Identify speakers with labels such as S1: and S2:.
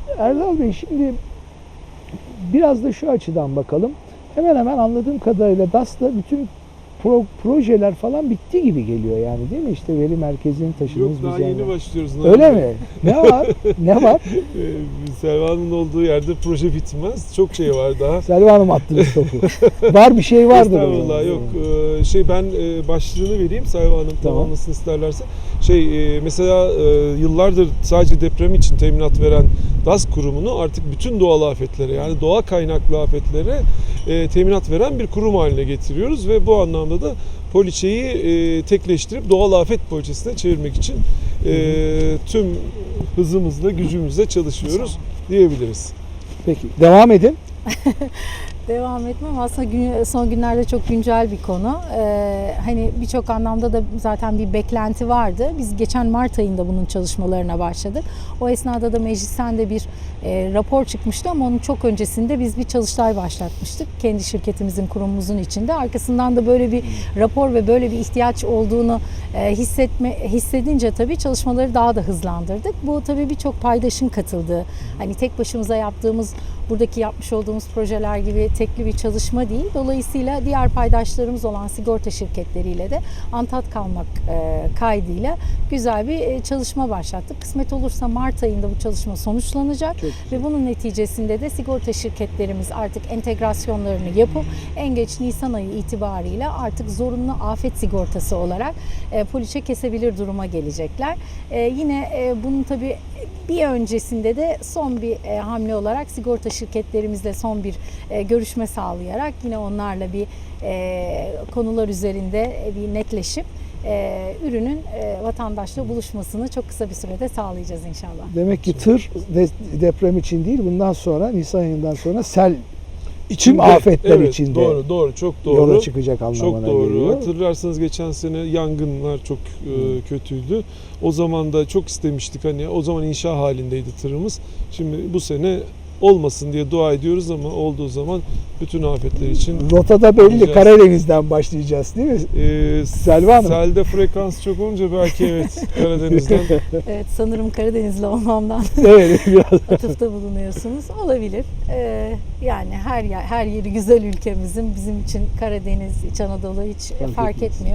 S1: Erdal Bey, şimdi biraz da şu açıdan bakalım. Hemen hemen anladığım kadarıyla DAS'ta bütün projeler falan bitti gibi geliyor yani, değil mi? İşte veri merkezini taşıdınız.
S2: Yok, daha yeni başlıyoruz.
S1: Öyle mi? Ne var? Ne var?
S2: Selva Hanım'ın olduğu yerde proje bitmez. Çok şey var daha.
S1: Selva Hanım attınız topu. Var, bir şey vardır.
S2: Estağfurullah, yok. Ben başlığını vereyim, Selva Hanım tamamlasın isterlerse. Mesela yıllardır sadece deprem için teminat veren DAS kurumunu artık bütün doğal afetlere, yani doğa kaynaklı afetlere teminat veren bir kurum haline getiriyoruz ve bu anlamda da poliçeyi tekleştirip doğal afet poliçesine çevirmek için tüm hızımızla, gücümüzle çalışıyoruz diyebiliriz.
S1: Peki, devam edin.
S3: Devam etmem aslında son günlerde çok güncel bir konu. Hani birçok anlamda da zaten bir beklenti vardı. Biz geçen Mart ayında bunun çalışmalarına başladık. O esnada da meclisten de bir rapor çıkmıştı ama onun çok öncesinde biz bir çalıştay başlatmıştık. Kendi şirketimizin, kurumumuzun içinde. Arkasından da böyle bir rapor ve böyle bir ihtiyaç olduğunu hissedince tabii çalışmaları daha da hızlandırdık. Bu tabii birçok paydaşın katıldığı, hani tek başımıza yaptığımız, buradaki yapmış olduğumuz projeler gibi tekli bir çalışma değil. Dolayısıyla diğer paydaşlarımız olan sigorta şirketleriyle de antat kalmak kaydıyla güzel bir çalışma başlattık. Kısmet olursa Mart ayında bu çalışma sonuçlanacak ve bunun neticesinde de sigorta şirketlerimiz artık entegrasyonlarını yapıp en geç Nisan ayı itibariyle artık zorunlu afet sigortası olarak poliçe kesebilir duruma gelecekler. Yine bunun tabii bir öncesinde de son bir hamle olarak sigorta şirketlerimizle son bir görüşme sağlayarak yine onlarla bir konular üzerinde bir netleşip ürünün vatandaşla buluşmasını çok kısa bir sürede sağlayacağız inşallah.
S1: Demek ki tır deprem için değil, bundan sonra Nisan ayından sonra sel tüm afetler içinde
S2: doğru, çok doğru.
S1: Yola çıkacak anlamına
S2: çok doğru.
S1: geliyor.
S2: Hatırlarsanız geçen sene yangınlar çok kötüydü. O zaman da çok istemiştik, hani o zaman inşa halindeydi tırımız. Şimdi bu sene olmasın diye dua ediyoruz ama olduğu zaman bütün afetler için
S1: rotada belli, Karadeniz'den başlayacağız değil mi? Selva Hanım.
S2: Selde frekans çok olunca belki evet Karadeniz'den.
S3: Evet, sanırım Karadenizli olmamdan
S1: Evet, biraz
S3: atıfta bulunuyorsunuz. Olabilir. Yani her yeri güzel ülkemizin, bizim için Karadeniz, İç Anadolu hiç fark etmiyor.